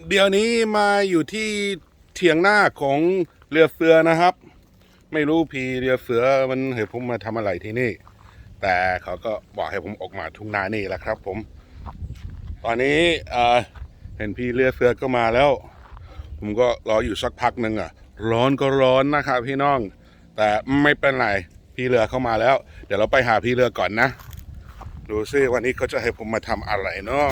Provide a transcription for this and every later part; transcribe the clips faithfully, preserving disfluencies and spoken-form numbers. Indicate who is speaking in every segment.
Speaker 1: เดี๋ยวนี้มาอยู่ที่เถียงหน้าของเรือเสือนะครับ ไม่รู้พี่เรือเสือมันเห็นผมมาทำอะไรที่นี่ แต่เขาก็บอกให้ผมออกมาทุ่งนานี่แหละครับ ผม ตอนนี้เห็นพี่เรือเสือก็มาแล้ว ผมก็รออยู่สักพักหนึ่งอ่ะร้อนก็ร้อนนะครับพี่น้องแต่ไม่เป็นไรพี่เรือเข้ามาแล้ว เดี๋ยวเราไปหาพี่เรือก่อนนะดูซิวันนี้เขาจะให้ผมมาทำอะไรเนาะ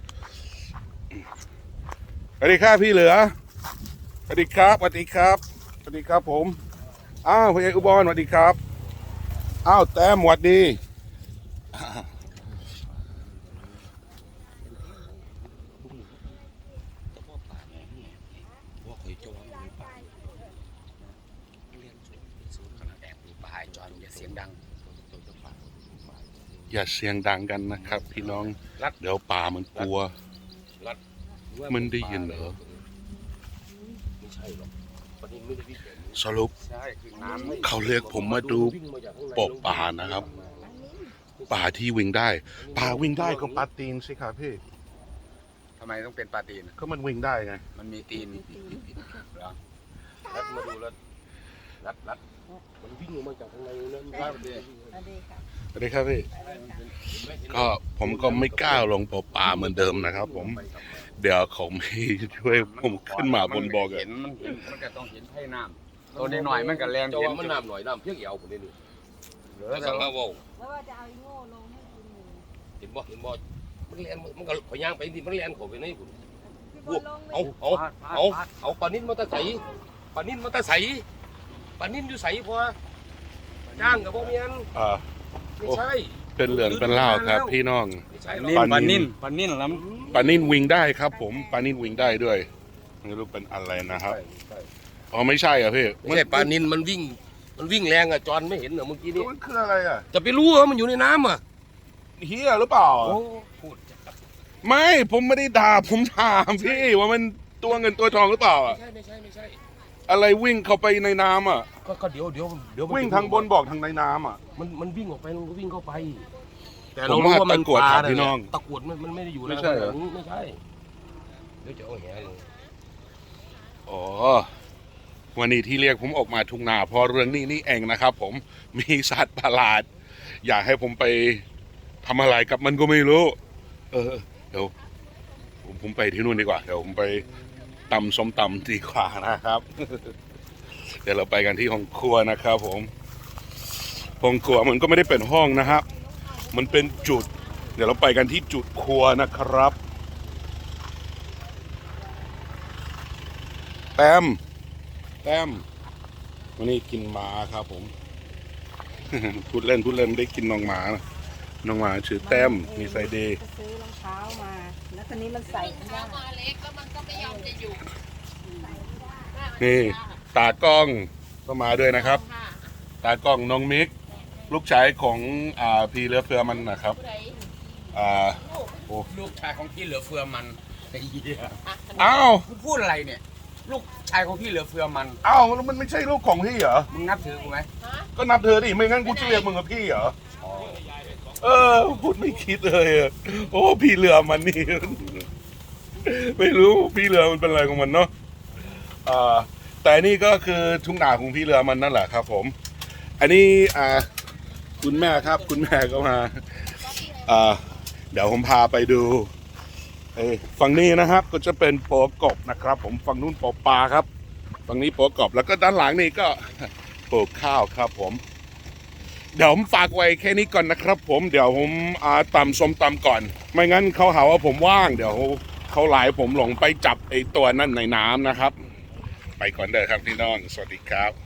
Speaker 1: สวัสดีครับพี่เหลือสวัสดีครับสวัสดีครับสวัสดีครับผมอ้าวพี่เอกอุบลสวัสดีครับอ้าวแต้มสวัสดีอย่าเสียงดังกันนะครับพี่น้องเดี๋ยวป่ามันกลัวมันได้ยินเหรอสรุปเขาเรียกผมมาดูปกป่านะครับป่าที่วิ่งได้ป่าวิ่งได้ก็ปลาตีนสิครับพี่
Speaker 2: ทำไมต้องเป็นปลาตีน
Speaker 1: ก็มันวิ่งได้ไง
Speaker 2: มันมีตีนเหรอรัดมาดูรัดรัดรัดมันวิ่งออกมาจากข้างในนั่นได้เลย
Speaker 1: สวัสดีครับพี่ก็ผมก็ไม่กล้าลงปป่าเหมือนเดิมนะครับผมเดี๋ยวเขาไม่ช่วยผมขึ้นมาบนบก
Speaker 2: เห็นมันเห็นมันก็ต้องเห็นให้น้ำตัวหน่อยมันก็แรงเห็นมันน้ำหน่อยน้ำเพียงเอวผมนี่นี่เหลือสังมาว่า
Speaker 3: แล้วว่าจะเอาอีโง่ลงให้คุณ
Speaker 2: เห็นบ่เห็นบ่มันแรงมันก็ขย่างไปที่มันแรงเขาไปในคุณเอาเอาเอาเอาปลานิ่นมาตะใสปลานิ่นมาตะใสปลานิ่นอยู่ใสพอจ้างกับพวกนี้
Speaker 1: อ่า
Speaker 2: ไม่ใช่
Speaker 1: เป็นเหลืองเป็นเล่าครับพี่น้อง
Speaker 2: ปลานิ่นปลานิ่นแล้ว
Speaker 1: ปลานิ่นวิ่งได้ครับผมปลานิ่นวิ่งได้ด้วยไม่รู้เป็นอะไรนะครับอ๋อไม่ใช่อ่ะพี่
Speaker 2: ไม่ใช่ปลานิ่นมันวิ่งมันวิ่งแรงอ่ะจอนไม่เห็นเหรอเมื่อกี้นี้
Speaker 1: มันคืออะไรอ่ะ
Speaker 2: จะไปรู้เหรอมันอยู่ในน้ำอ่ะ
Speaker 1: เฮียหรือเปล่า
Speaker 2: พูด
Speaker 1: ไม่ผมไม่ได้ด่าผมถามพี่ว่ามันตัวเงินตัวทองหรือเปล่าอ่ะ
Speaker 2: ไม่ใช่ไม่ใช่ไม่ใช่
Speaker 1: อะไรวิ่งเข้าไปในน้ำอ่ะ
Speaker 2: ก็เดี๋ยวเดี๋ยวเดี๋ยว
Speaker 1: วิ่งทางบนบอกทางในน้ำอ่ะ
Speaker 2: มันมันวิ่งออกไปมันก็วิ่งเข้าไป
Speaker 1: แต่เรารู้ว่ามันปลาพี่น้อง
Speaker 2: ตะกรวดมันมันไม่ได้อยู่
Speaker 1: ไม่ใช่
Speaker 2: ไม่ใช่เดี๋ยวจะเอาแหลง
Speaker 1: อ๋อวันนี้ที่เรียกผมออกมาทุ่งนาเพราะเรื่องนี้นี่เองนะครับผมมีสัตว์ประหลาดอยากให้ผมไปทำอะไรกับมันก็ไม่รู้เออเดี๋ยวผมไปที่นู่นดีกว่าเดี๋ยวผมไปตำส้มตำดีกว่านะครับเดี๋ยวเราไปกันที่ห้องครัวนะครับผมห้องครัวมันก็ไม่ได้เป็นห้องนะครับมันเป็นจุดเดี๋ยวเราไปกันที่จุดครัวนะครับแต้มแต้มวันนี้กินหมาครับผมพูดเล่นพูดเล่นได้กินน้องหมาน้องหมาชื่อแต้มมีไซเดย์
Speaker 3: ซื้อรองเท้ามาแล้วตอนนี้มันใส่
Speaker 4: รองเท้ามาเล็กแล้วมันก็ไม่ยอมจะอยู่
Speaker 1: นี่ตากล้องก็มาด้วยนะครับตากล้องน้องมิกลูกชายของอ่าพี่เรือเฟือมันนะครับอ่า
Speaker 2: โอ้ลูกชายของพี่เหลือเฟือมันไอ้เหี้ย
Speaker 1: อ้าว
Speaker 2: พูดอะไรเนี่ยลูกชายของพี่เหลือเฟือมัน
Speaker 1: อ้าวมันไม่ใช่ลูกของพี่เหรอ
Speaker 2: มึงนับถือกูไหม
Speaker 1: ก็นับเธอดิไม่งั้นกูจะเรียกมึงกับพี่เหรอเออพูดไม่คิดเลยโอ้พี่เรือมันนี่ไม่รู้พี่เรือมันเป็นอะไรของมันเนาะอ่าแต่นี่ก็คือทุ่งนาของพี่เรือมันนั่นแหละครับผมอันนี้อ่าคุณแม่ครับคุณแม่ก็มาอ่าเดี๋ยวผมพาไปดูเอ้ฝั่งนี้นะครับก็จะเป็นโปกบนะครับผมฝั่งนู้นโปปลาครับฝั่งนี้โปกบแล้วก็ด้านหลังนี่ก็ปลูกข้าวครับผมเดี๋ยวผมฝากไว้แค่นี้ก่อนนะครับผมเดี๋ยวผมอาตำส้มตำก่อนไม่งั้นเขาหาว่าผมว่างเดี๋ยวเขาไล่ผมหลงไปจับไอ้ตัวนั่นในน้ำนะครับไปก่อนเด้อครับพี่น้องสวัสดีครับ